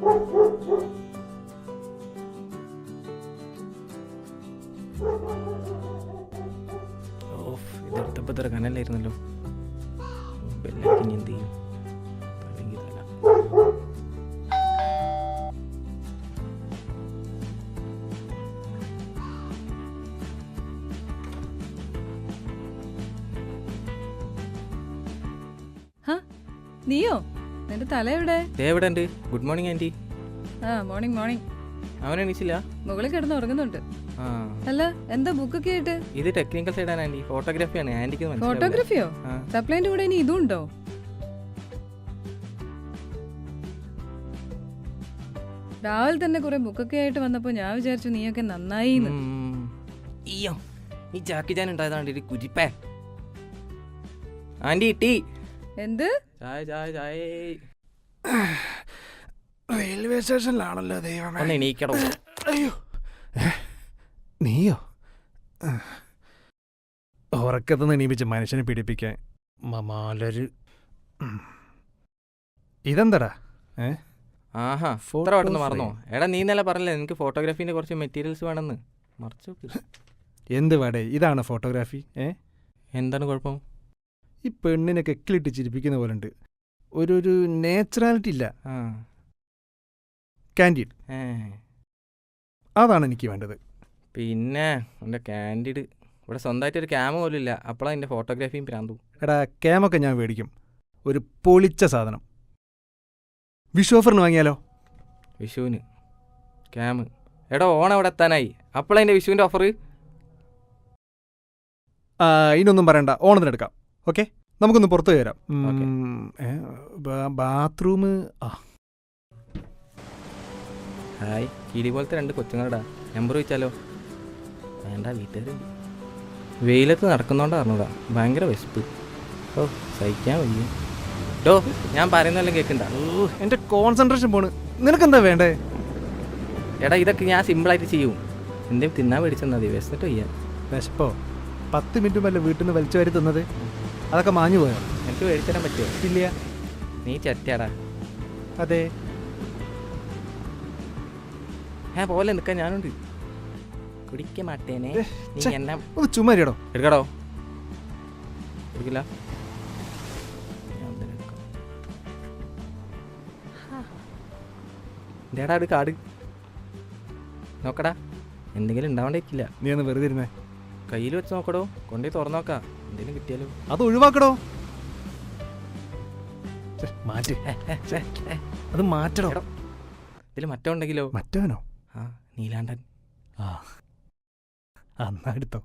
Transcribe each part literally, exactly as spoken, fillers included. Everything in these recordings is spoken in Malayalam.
ഇതെടുത്തപ്പോൾ ഇത്ര കനലായിരുന്നല്ലോ. ബെല്ലാക്കി എന്ത് ചെയ്യും? അല്ലെങ്കിൽ തല നീയോ? നിന്റെ തല എവിടെ? എവിടെ ഉണ്ട്? Good morning aunty. ആ മോർണിംഗ് മോർണിംഗ്. അവൻ എണീച്ചില്ല? മുകളിൽ കിടന്ന് ഉറങ്ങുന്നുണ്ട്. അല്ല എന്താ ബുക്കൊക്കെ ആയിട്ട്? ഇത് ടെക്നിക്കൽ സൈഡാണ് ആന്റി, ഫോട്ടോഗ്രാഫിയാണ്. ആന്റിക്ക് ഫോട്ടോഗ്രാഫിയോ? സപ്ലൈന്റെ കൂടെ ഇനി ഇതും ഉണ്ടോ? രാവിലെ തന്നെ കുറെ ബുക്കൊക്കെ ആയിട്ട് വന്നപ്പോ ഞാൻ വിചാരിച്ചു നീയൊക്കെ നന്നായി. അയ്യോ ഈ ചാക്കിജാൻ ഉണ്ടായതാണ് കുരിപ്പേ. Anti tea. എന്ത്? ചായ ചായ ചായ. റെയിൽവേ സ്റ്റേഷനിലാണല്ലോ ദൈവമേ. ഒന്ന് എണീക്കടോ. അയ്യോ നീയോ? ഉറക്കത്തുനിന്ന് എണീപ്പിച്ച് മനുഷ്യനെ പീഡിപ്പിക്കാൻ മമാലൊരു. ഇതെന്താടാ? ഏ ആഹാ ഫോട്ടോ അവിടെ മറന്നോ? എടാ നീ ഇന്നലെ പറഞ്ഞില്ലേ എനിക്ക് ഫോട്ടോഗ്രാഫീൻ്റെ കുറച്ച് മെറ്റീരിയൽസ് വേണമെന്ന്. മറച്ചു നോക്ക്. എന്ത് വേടേ, ഇതാണ് ഫോട്ടോഗ്രാഫി? ഏ എന്താണ് കുഴപ്പം? ഈ പെണ്ണിനെ കെക്കിലിട്ട് ചിരിപ്പിക്കുന്ന പോലെ ഉണ്ട്. ഒരു ഒരു നാച്ചുറാലിറ്റി ഇല്ല. കാൻഡിഡ്, അതാണ് എനിക്ക് വേണ്ടത്. പിന്നെ എൻ്റെ കാൻഡിഡ് ഇവിടെ സ്വന്തമായിട്ടൊരു ക്യാമ പോലും ഇല്ല. അപ്പോഴാണ് എൻ്റെ ഫോട്ടോഗ്രാഫിയും പ്രാന്തും. എടാ ക്യാമൊക്കെ ഞാൻ മേടിക്കും. ഒരു പൊളിച്ച സാധനം. വിഷു ഓഫറിന് വാങ്ങിയാലോ? വിഷുവിന് ക്യാമ്? എടാ ഓണം ഇവിടെ എത്താനായി. അപ്പോഴാണ് എൻ്റെ വിഷുവിൻ്റെ ഓഫർ. ഇനൊന്നും പറയണ്ട, ഓണത്തിനെടുക്കാം. ഓക്കെ, നമുക്കൊന്ന് പുറത്തു കയറാം. ബാത്റൂം. ആ ഹായ്, കിളി പോലത്തെ രണ്ട് കൊച്ചുങ്ങളുടാ. നമ്പർ ചോദിച്ചാലോ? വേണ്ട, വീട്ടുകാർ വെയിലത്ത് നടക്കുന്നോണ്ടാ പറഞ്ഞതാ. ഭയങ്കര വിശപ്പ്. ഓ സഹിക്കാൻ വയ്യ. ഡോ ഞാൻ പറയുന്നതെല്ലാം കേൾക്കണ്ട. ഓ എൻ്റെ കോൺസെൻട്രേഷൻ പോണ്. നിനക്കെന്താ വേണ്ടേ? എടാ ഇതൊക്കെ ഞാൻ സിമ്പിളായിട്ട് ചെയ്യും. എന്തെങ്കിലും തിന്നാൻ മേടിച്ചെന്നാ മതി. വിശന്നിട്ട് വയ്യ. വിശപ്പോ? പത്ത് മിനിറ്റുമല്ല വീട്ടിൽ നിന്ന് വലിച്ചു വരി തിന്നത്. അതൊക്കെ മാഞ്ഞു പോയോ? എനിക്ക് മേടിച്ചു തരാൻ പറ്റുമോ? ഇല്ല. നീ ചറ്റാടാ. അതെ. ഏ പോലെ നിൽക്കാൻ ഞാനുണ്ട്. കുടിക്ക മാട്ടേനെ. നീ എന്നെ ഒന്ന് ചുമ്മാരിയടോ. എടുക്കടോ. എടുക്കില്ല. എന്തേടാ അത് കാട് നോക്കടാ. എന്തെങ്കിലും ഉണ്ടാവണ്ടേക്കില്ല. നീ ഒന്ന് വെറുതെ ഇരുന്നേ. കയ്യിൽ വെച്ച് നോക്കടോ. കൊണ്ടേ തുറന്നു നോക്കാം. എന്തെങ്കിലും കിട്ടിയാലോ? അത് ഒഴിവാക്കടോ. മാറ്റ്. അത് മാറ്റടോ. ഇതിൽ മറ്റോ ഉണ്ടെങ്കിലോ? മറ്റവനോ? ആ നീലാണ്ടൻ. ആ എന്നാ എടുത്തോ.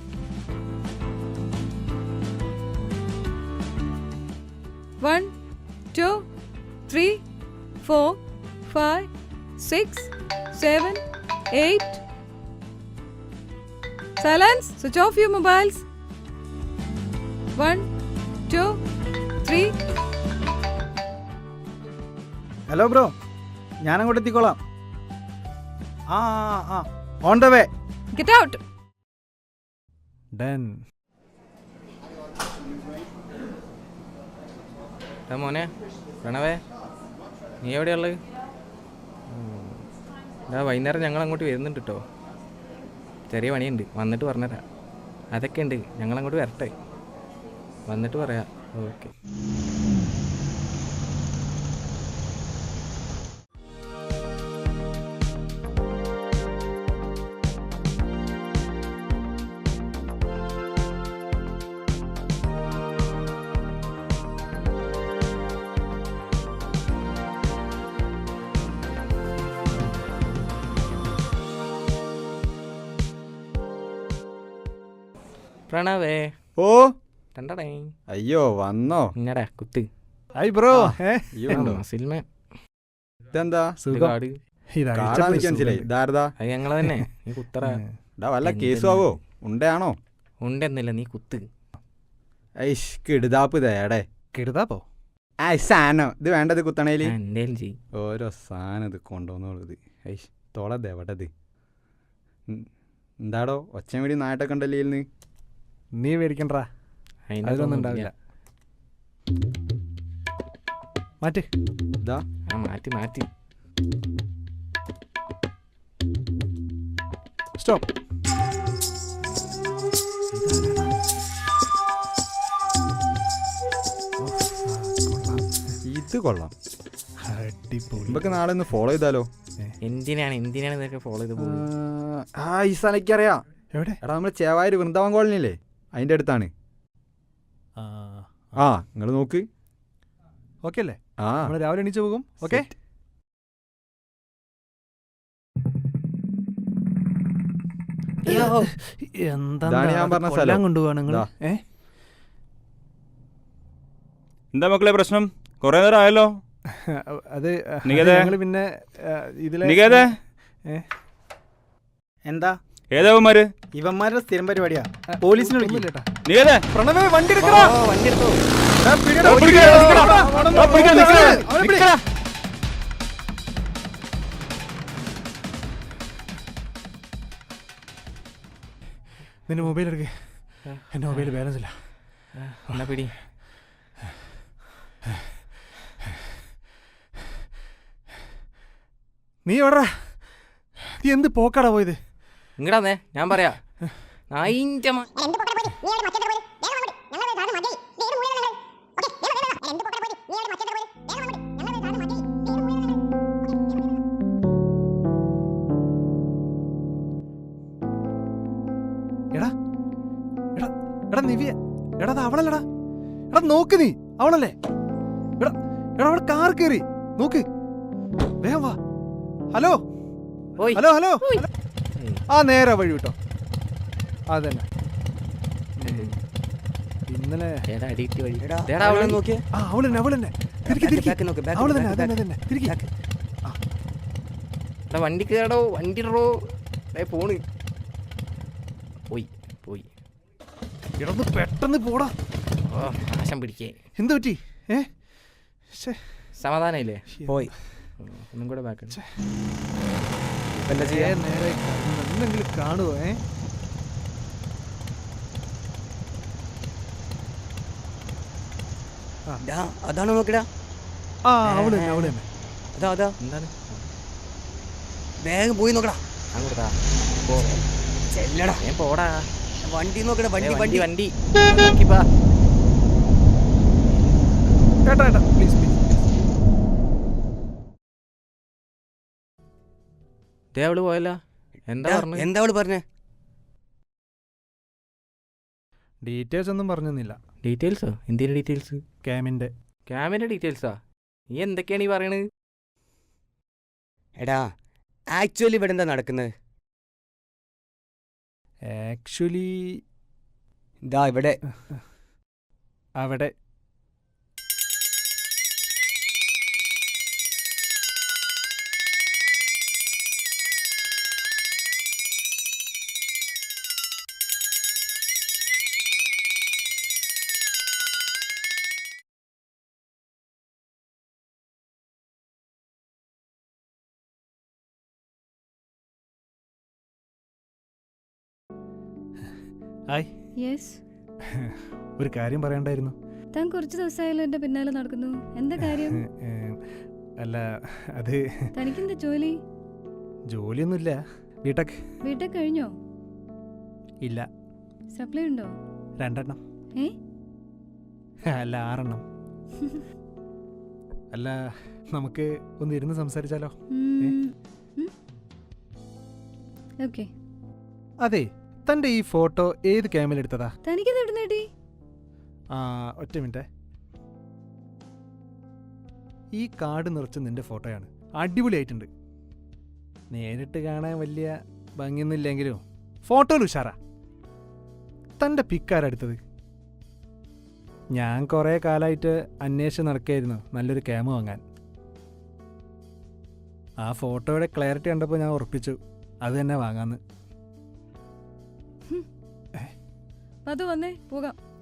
One two three four five six seven eight. Silence. Switch off your mobiles. One, two, three. Hello bro, ഞാനങ്ങോട്ട് എത്തിക്കോളാം. ആ ആ on the way. Get out. Done. എടാ മോനെ പ്രണവേ, നീ എവിടെയുള്ളത്? എടാ വൈകുന്നേരം ഞങ്ങൾ അങ്ങോട്ട് വരുന്നുണ്ട് കേട്ടോ. ചെറിയ പണിയുണ്ട്, വന്നിട്ട് പറഞ്ഞുതരാം. അതൊക്കെ ഉണ്ട്, ഞങ്ങളങ്ങോട്ട് വരട്ടെ. വന്നിട്ട് പറയാം. ഓക്കെ. പ്രണവേ. ഓ രണ്ടടേ. അയ്യോ വന്നോ? ഇന്നടാ കുത്ത്. Hi bro. സിൽമ. ഇതെന്താ സുഖം. മനസ്സിലായി? ഇതാരതാ? അത് ഞങ്ങളെ തന്നെ. നീ കുത്തറ. വല്ല കേസും ആവോ? ഉണ്ടയാണോ? ഉണ്ടെന്നില്ല, നീ കുത്ത്. ഐഷ് കിടുതാപ്പ് തേടേ. കിടുതാപ്പോ? ആ സാധനം ഇത് വേണ്ടത് കുത്തണേല്. എന്തേലും ചെയ്യും. ഓരോ സാധനം ഇത് കൊണ്ടുവന്നുള്ളത്. ഐഷ് തോളത് എവിടത്? എന്താടോ ഒച്ചയും വീടി നാട്ടൊക്കെ ഉണ്ടല്ലേ? നീ മേടിക്കണ്ടാ, അതിലൊന്നും ഉണ്ടാവില്ല. മാറ്റ്. ഇതാ ആ മാറ്റി മാറ്റി. സ്റ്റോപ്പ്. ഇത് കൊള്ളാം. അടിപൊളി. നമുക്ക് നാളെ ഒന്ന് ഫോളോ ചെയ്താലോ? എന്തിനാണ് എന്തിനാണ് ഇതൊക്കെ ഫോളോ ചെയ്ത് പോകുന്നത്? ആ ഈ സ്ഥലം എനിക്കറിയാം. എവിടെ? എടാ നമ്മൾ ചേവായൂർ വൃന്ദാവൻ കോളനിയില്ലേ, അതിൻ്റെ അടുത്താണ്. ആ ആ നിങ്ങൾ നോക്ക്. ഓക്കെ അല്ലേ? ആ നമ്മൾ രാവിലെ എണീച്ച് പോകും. ഓക്കെ. എന്താ ഇതാണ് ഞാൻ പറഞ്ഞ സ്ഥലം. കൊല്ലാൻ കൊണ്ടുപോവാ നിങ്ങൾ? ദാ. ഏ എന്താ മക്കളെ പ്രശ്നം? കുറെ നേരം ആയല്ലോ. അത് നികേതേ? ഞങ്ങൾ പിന്നെ ആ, ഇതിലെ നികേതേ? ഏ? എന്താ ഏതാവന്മാര്? ഇവന്മാരുടെ സ്ഥിരം പരിപാടിയാ. പോലീസിനെ വിളിക്കും. ഒന്നുമില്ല ട്ടാ. നികേതേ? പ്രണവേ വണ്ടി എടുക്കടാ. വണ്ടി എടുത്തോ? എടാ, പിടിയെടാ, ഓ, പിടിയെടാ, പിടിയെടാ, നിക്കടാ. പിടിയെടാ. ഓ, പിടിയെടാ, നിക്കടാ. അവനെ പിടി. നിക്കടാ. നിന്റെ മൊബൈൽ എടുക്ക്. എൻ്റെ മൊബൈൽ ബാലൻസ് ഇല്ല. എന്നാ പിടി. നീ എവിടാ? നീ എന്ത് പോക്കാടാ പോയത്? ഇങ്ങടാന്നേ ഞാൻ പറയാ. അതിൻ്റെ മ- എടാ എടാ എടാ നിവ്യ, എടാ അത് അവളല്ലടാ. എടാ നോക്ക്, നീ അവളല്ലേ? എടാ എടാ അവൾ കാർ കയറി. നോക്ക്, വേഗം വാ. ഹലോ ഓയ്. Hello hello. ഏയ്. ആ നേരെ വഴി വിട്ടോ. അതന്നെ. ഇന്നലെ ഏതാ അടിയിട്ട് വഴി? എടാ, ദേടാ അവളെ അവളെ നോക്കിയേ. ആ അവൾ തന്നെ അവൾ തന്നെ. തിരിക്ക് തിരിക്ക്. ബാക്ക് നോക്ക്, ബാക്ക് അവൾ നോക്ക്, തന്നെ ബാക്ക് അതന്നെ അതന്നെ. തിരിക്ക്. എടാ വണ്ടി കേടോ, വണ്ടി ഇടറോ. ഏ പോണ്. പോയി പോയി. ഇടന്ന് പെട്ടെന്ന് പോടാ. ഓ നാശം പിടിക്കേ. എന്ത് പറ്റി? ഏ ശ്ശേ. സമാധാനമില്ലേ? പോയി. ഉം, ഒന്നും കൂടെ ബാക്ക്. എന്താ ഏ, ചെയ്യാ? നേരെ കാണുന്നു. എന്തെങ്കിലും കാണുവോ? ഏ ഡാ, അതാണോ നോക്കിടാ? ആ അവള് തന്നെ അവള് തന്നെ. അതാ അതാ എന്താണ്? വേഗം പോയി നോക്കടാ. അങ്ങോട്ടാ പോ. ചെല്ലടാ. ഏ പോടാ. വണ്ടി നോക്കടാ, ഏ, വണ്ടി വണ്ടി വണ്ടി വണ്ടി നോക്കിപ്പാ. ഏട്ടാ ഏട്ടാ പ്ലീസ് പ്ലീസ്. ദേ അവള് പോയല്ല. എന്താ ഡാ, പറഞ്ഞു? എന്താ അവള് പറഞ്ഞേ? ഡീറ്റെയിൽസ് ഒന്നും പറഞ്ഞൊന്നുമില്ല. ഡീറ്റെയിൽസോ? എന്തിന്റെ ഡീറ്റെയിൽസ്? ക്യാമിന്റെ. ക്യാമിന്റെ ഡീറ്റെയിൽസാ? നീ എന്തൊക്കെയാണ് ഈ പറയണത്? എടാ, ആക്ച്വലി ഇവിടെ എന്താ നടക്കുന്നത്? ആക്ച്വലി ഇതാ ഇവിടെ അവിടെ ഹായ്, യെസ്. ഒരു കാര്യം പറയണ്ടായിരുന്നു. താൻ കുറച്ച് ദിവസമായാലും എൻ്റെ പിന്നാലെ നടക്കുന്നു. എന്താ കാര്യം? ഏ, അല്ല അത് തനിക്കെന്താ ജോലി? ജോലിയൊന്നുമില്ല. ബിടെക്. വീട്ടിൽ കഴിഞ്ഞോ? ഇല്ല, സപ്ലൈ ഉണ്ടോ? രണ്ടെണ്ണം. ഏ അല്ല ആറെണ്ണം. അല്ല നമുക്ക് ഒന്ന് ഇരുന്ന് സംസാരിച്ചാലോ? ഓക്കെ. അതെ, തൻ്റെ ഈ ഫോട്ടോ ഏത് ക്യാമിലെടുത്തതാ? തനിക്കെന്താ ഇവിടെ നേടി? ആ ഒറ്റ മിനിറ്റ്. ഈ കാർഡ് നിറച്ച് നിന്റെ ഫോട്ടോയാണ്. അടിപൊളിയായിട്ടുണ്ട്. നേരിട്ട് കാണാൻ വലിയ ഭംഗിയൊന്നുമില്ലെങ്കിലും ഫോട്ടോയിൽ ഉഷാറാ. തൻ്റെ പിക്കാരെടുത്തത്? ഞാൻ കുറേ കാലമായിട്ട് അന്വേഷിച്ച് നടക്കുകയായിരുന്നു നല്ലൊരു ക്യാമ വാങ്ങാൻ. ആ ഫോട്ടോയുടെ ക്ലാരിറ്റി കണ്ടപ്പോൾ ഞാൻ ഉറപ്പിച്ചു അത് തന്നെ വാങ്ങാന്ന്. അത് വന്നേ പോകാം.